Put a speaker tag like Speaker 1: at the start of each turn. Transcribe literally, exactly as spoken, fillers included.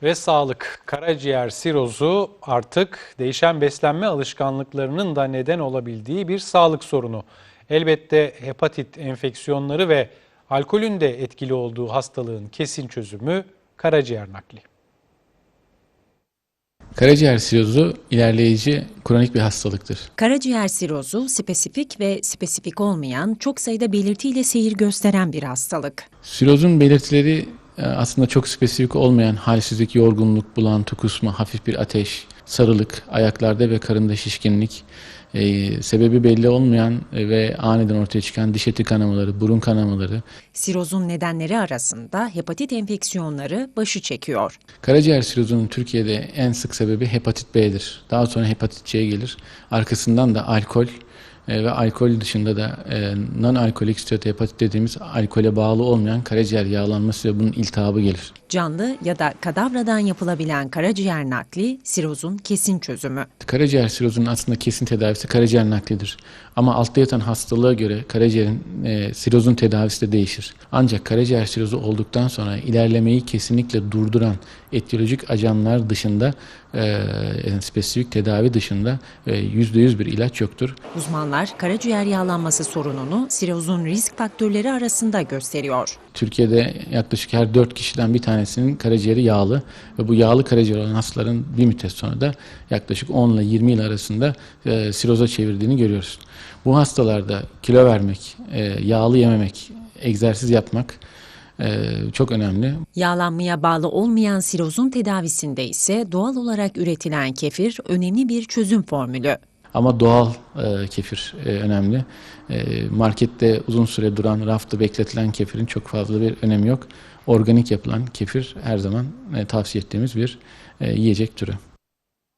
Speaker 1: Ve sağlık, karaciğer sirozu artık değişen beslenme alışkanlıklarının da neden olabildiği bir sağlık sorunu. Elbette hepatit enfeksiyonları ve alkolün de etkili olduğu hastalığın kesin çözümü karaciğer nakli.
Speaker 2: Karaciğer sirozu ilerleyici kronik bir hastalıktır.
Speaker 3: Karaciğer sirozu spesifik ve spesifik olmayan çok sayıda belirtiyle seyir gösteren bir hastalık.
Speaker 2: Sirozun belirtileri aslında çok spesifik olmayan halsizlik, yorgunluk, bulantı, kusma, hafif bir ateş, sarılık, ayaklarda ve karında şişkinlik, e, sebebi belli olmayan ve aniden ortaya çıkan diş eti kanamaları, burun kanamaları.
Speaker 3: Sirozun nedenleri arasında hepatit enfeksiyonları başı çekiyor.
Speaker 2: Karaciğer sirozunun Türkiye'de en sık sebebi hepatit B'dir. Daha sonra hepatit C gelir. Arkasından da alkol ve alkol dışında da e, non-alkolik steatohepatit dediğimiz alkole bağlı olmayan karaciğer yağlanması ve bunun iltihabı gelir.
Speaker 3: Canlı ya da kadavradan yapılabilen karaciğer nakli sirozun kesin çözümü.
Speaker 2: Karaciğer sirozunun aslında kesin tedavisi karaciğer naklidir. Ama altta yatan hastalığa göre karaciğerin e, sirozun tedavisi de değişir. Ancak karaciğer sirozu olduktan sonra ilerlemeyi kesinlikle durduran etiyolojik ajanlar dışında, e, yani spesifik tedavi dışında e, yüzde yüz bir ilaç yoktur.
Speaker 3: Uzmanlar karaciğer yağlanması sorununu sirozun risk faktörleri arasında gösteriyor.
Speaker 2: Türkiye'de yaklaşık her dört kişiden bir tanesinin karaciğeri yağlı ve bu yağlı karaciğer olan hastaların bir müddet sonra da yaklaşık on ile yirmi yıl arasında e, siroza çevirdiğini görüyoruz. Bu hastalarda kilo vermek, e, yağlı yememek, egzersiz yapmak e, çok önemli.
Speaker 3: Yağlanmaya bağlı olmayan sirozun tedavisinde ise doğal olarak üretilen kefir önemli bir çözüm formülü.
Speaker 2: Ama doğal e, kefir e, önemli. E, markette uzun süre duran, rafta bekletilen kefirin çok fazla bir önemi yok. Organik yapılan kefir her zaman e, tavsiye ettiğimiz bir e, yiyecek türü.